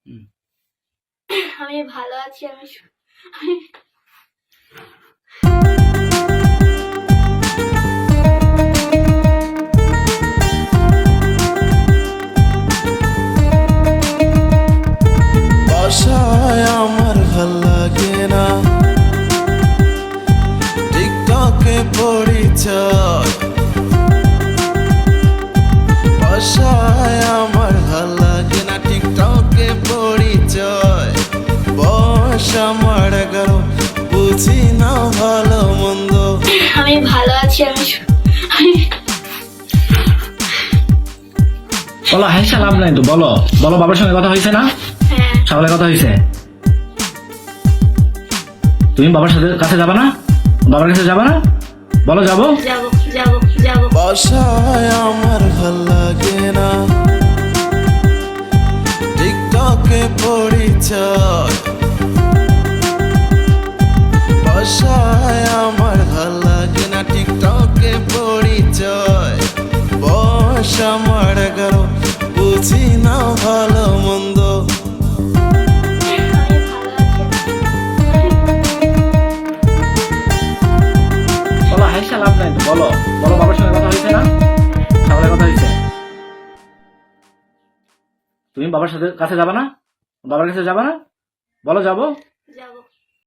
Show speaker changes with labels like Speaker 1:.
Speaker 1: হুম।
Speaker 2: আমি ভালো আছি।
Speaker 3: বাসায় আমার ভাল লাগে না, টিকটকে পরিচয়। বাসায় আমার ভাল লাগে না, টিকটকে পরিচয়। বয়স আমার 11, বুঝি না ভালো মন্দ।
Speaker 2: আমি ভালো আছি।
Speaker 1: বলো হাসা লাভ নাই তো, বলো বলো বাবার সঙ্গে কথা হয়েছে না?
Speaker 2: হ্যাঁ।
Speaker 1: সকালে কথা হয়েছে। তুমি বাবার সাথে কাছে যাবা না? বাবার কাছে যাবা না? বলো যাবো।
Speaker 2: যাবো যাবো যাবো।
Speaker 3: বাসায় আমার ভাল লাগে না, টিকটকে পরিচয়। বাসায় আমার ভাল লাগে না, টিকটকে পরিচয়। বয়স আমার 11, বুঝি না ভালো মন্দ।
Speaker 2: আমি ভালো আছি।
Speaker 1: বলো হাসা লাভ নাই তো, বলো বলো বাবার সঙ্গে কথা হয়েছে না? সকালে কথা হয়েছে। তুমি বাবার সাথে কাছে যাবা না? বাবার কাছে যাবা না? বলো যাবো।
Speaker 2: যাবো